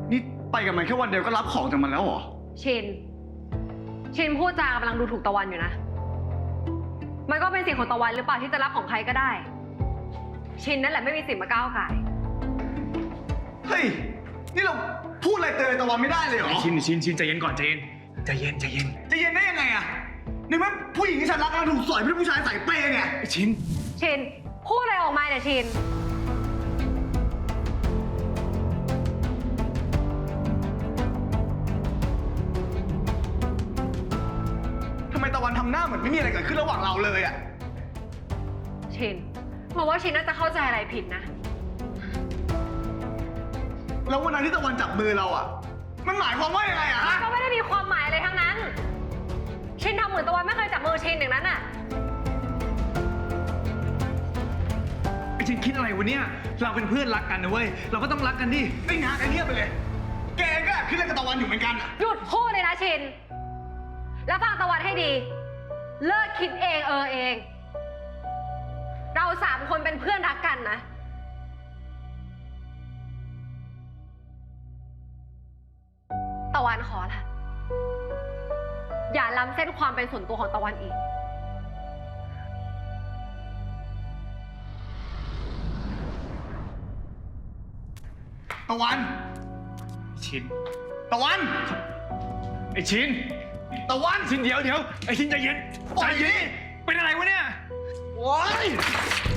นี่ไปกับมันแค่วันเดียวก็รับของจากมันแล้วเหรอชินพูดจากำลังดูถูกตะวันอยู่นะ มันก็เป็นสิทธิ์ของตะวันหรือเปล่าที่จะรับของใครก็ได้ ชินนั่นแหละไม่มีสิทธิ์มาก้าวไก่ายเฮ้ย นี่เราพูดอะไรเตือนตะวันไม่ได้เลยเหรอชินใจเย็นก่อนใจเย็นใจเย็นจะเย็นได้ยังไงอะในเมื่อผู้หญิงที่ฉันรักกำลังถูกสอยเป็นผู้ชายใส่เป้เนี่ยชินพูดอะไรออกมาเนี่ยชินทำไมตะวันทำหน้าเหมือนไม่มีอะไรเกิดขึ้นระหว่างเราเลยอะชินบอกว่าชินน่าจะเข้าใจอะไรผิดนะแล้ววันนั้นที่ตะวันจับมือเราอะมันหมายความว่ายังไงอะฮะก็ไม่ได้มีความหมายอะไรทั้งนั้น ชินทำเหมือนตะวันไม่เคยจับมือชินอย่างนั้นน่ะไอ้ชินคิดอะไรวะเนี่ยเราเป็นเพื่อนรักกันนะเว้ยเราก็ต้องรักกันดิไอ้งาไอ้เงียบไปเลย แกก็แอบคิดเรื่องกับตะวันอยู่เหมือนกันอะหยุดพูดเลยนะชิน แล้วฟังตะวันให้ดี เลิกคิดเองเอง เรา3 คนเป็นเพื่อนรักกันนะ ตะวันขอละอย่าล้ำเส้นความเป็นส่วนตัวของตะวันอีกตะวันชินตะวันไอ้ชินตะวันชินเดี๋ยวไอ้ชินใจเย็นปล่อยดิเป็นอะไรวะเนี่ยโอ๊ย